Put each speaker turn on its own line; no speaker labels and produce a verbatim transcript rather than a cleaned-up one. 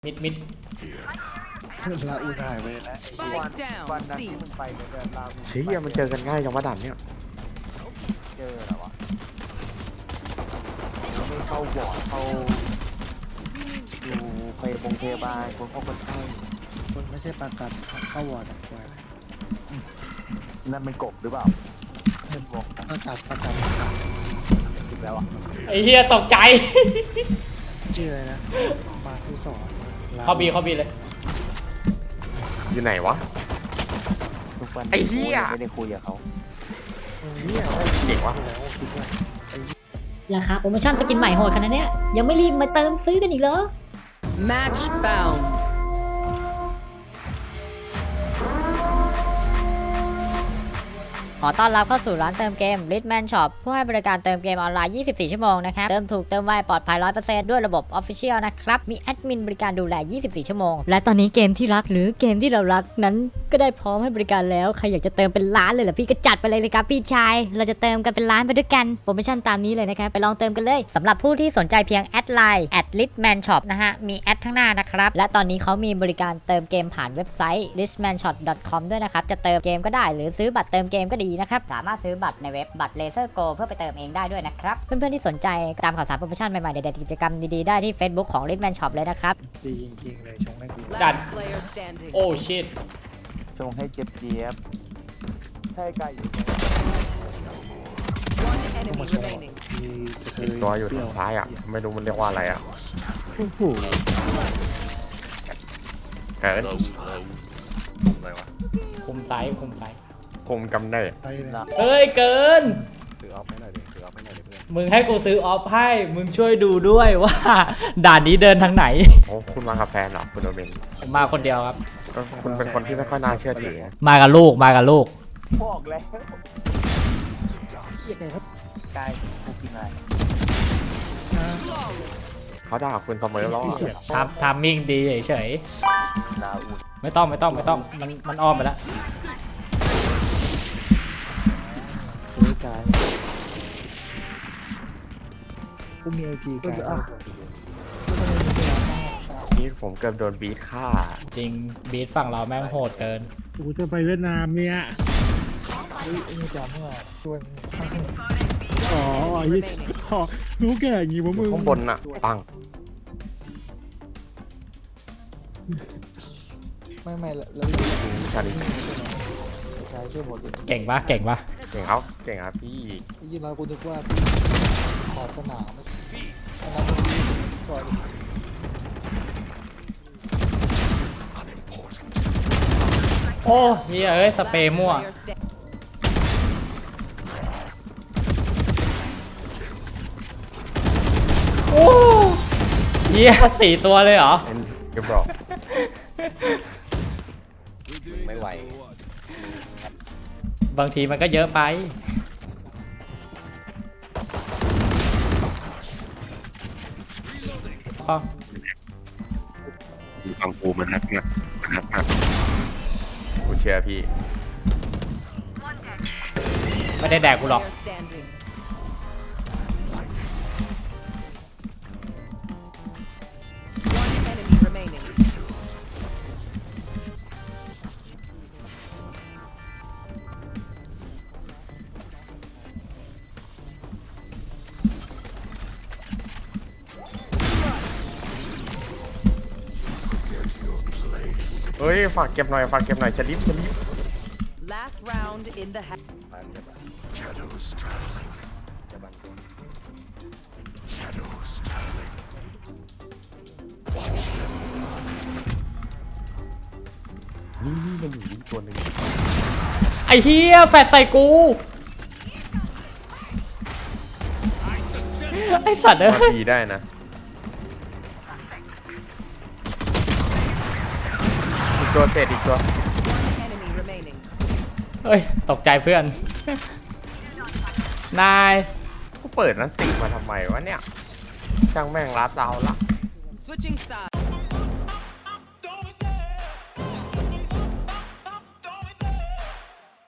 มิดมิด
ลาอูถ่ายไปนะไอ้วันวันนั้นที่มึงไปเดินลาอู
เชี่ยมันเจอกันง่ายจังวะด่านเนี่ย
เจอเหรอวะไม่เข้าบอร์ดเข้าอยู่ไปโรงพยาบาลคนเข้าคนไข้คนไม่ใช่ประกันเข้าวอร์ดกว่านั่นเป็นกบหรือเปล่าเป็นบอกประกันประกันถูกแล้วอ่ะ
ไอ้เหี้ยตกใจ
ชื่ออะไรนะมาทุสอน
เขาบีเขาบีเลย
อยู่ไหนวะไอ้เหี้ย
ไม่ได้คุยกับเขา
เหี้ยเก่งวะ
ราคาโปรโมชั่นสกินใหม่โหดขนาดนี้ยังไม่รีบมาเติมซื้อกันอีกเหรอ
Match found
ขอต้อนรับเข้าสู่ร้านเติมเกม Litman Shop ผู้ให้บริการเติมเกมออนไลน์ ยี่สิบสี่ ชั่วโมงนะครับ เติมถูกเติมไวปลอดภัย ร้อยเปอร์เซ็นต์ ด้วยระบบ Official นะครับ มีแอดมินบริการดูแล ยี่สิบสี่ ชั่วโมง และตอนนี้เกมที่รักหรือเกมที่เรารักนั้นก็ได้พร้อมให้บริการแล้ว ใครอยากจะเติมเป็นล้านเลยเหรอพี่ก็จัดไปเลยเลยครับพี่ชาย เราจะเติมกันเป็นล้านไปด้วยกัน โปรโมชั่นตามนี้เลยนะครับ ไปลองเติมกันเลยสำหรับผู้ที่สนใจเพียงแอดไลน์ แอด litman shop นะฮะ มีแอดข้างหน้านะครับ และตอนนี้เขามีบริการเติมเกมผ่านเว็บไซต์ litman shop dot com ด้วยนะครับ จะเติมเกมก็ได้หรือซื้อบัตรเติมเกมก็ดีนะครับสามารถซื้อบัตรในเว็บบัตร Laser Go เพื่อไปเติมเองได้ด้วยนะครับเพื่อนๆที่สนใจตามข่าวสารโปรโมชั่นใหม่ๆเด็ดๆกิจกรรมดีๆได้ที่ Facebook ของ Litman Shop เลยนะครับ
ดีจริงๆเลยชงให้กู
ดันโอ้ชิต
ชงให้เจ็บเจี๊ยบให้ไก่อยู่มาชง
อีกตัวอยู่ทางซ้ายอ่ะไม่รู้มันเรียกว่าอะไรอ่ะเฮ้ยอะไรวะ
คุมซ้ายคุมซ้าย
คุมกำเนิด
เฮ้ยเกิน
ซื้อออฟให้หน่อยดิซื้อออฟให้หน่อยดิเพื่อน
มึงให้กูซื้อออฟให้มึงช่วยดูด้วยว่าด่านนี้เดินทางไหน
โอ้คุณมากับแฟนเหรอคุณโอเบน
ผมมาคนเดียวครับ
คุณเป็นคนที่ไม่ค่อยน่าเชื่อถือ
มากับลูกมากับลูก
บอกแล้วยังไงครับกายกูกินอะไร
เขาด่าคุณเสมอแล้ว
ทำทำมิ่งดีเฉยๆไม่ต้องไม่ต้องไม่ต้องมันมันอ้อมไปแล้ว
ซื้อกายกูมีไอจีกาย
นี่ผมเกือบโดนบีทฆ่า
จริงบีทฝั่งเราแม่งโหดเกิน
กูจะไปเวียดนามเนี่ย
เฮ้ยนี่จำเมื่อชวนช่างขนม
อ๋อยี่ขอรู้แก่อย่างงี้วะมึง
ข้างบนน่ะปัง
ไม่ไม่แล้ว
ชาลิ
เก่งปะเก่งปะ
เก่งครับเก่งครับพี่
ยินดีกูนึกว่าพี่ขอสนามอันนั้นก่อน
โอ้เฮ้ยเอ้ยสเปรย์มั่วโอ้เฮียสี่ตัวเลยเหรอ
เก็บบอกไม่ไหว
บางทีมันก็เยอะไปข้อ
ฟังกูมันนักนะมันนักมากกูเชื่อพี่
ไม่ได้แดกกูหรอก
เฮ้ยฝากเก็บหน่อยฝากเก็บหน่อยจะรีบจะรีบ
Last round in the
Shadows traveling Shadows traveling Watch them run นี่นี่มันอยู่นี่ตัวหนึ่ง
ไอ้เหี้ยแฟดใส่กูไอ้สัตว์เอ้ย
ดีได้นะตัวเศษอีกตัว
เฮ้ยตกใจเพื่อนนาย
กูเปิดนั้นติมาทำไมวะเนี่ยช่างแม่งรัดเราละ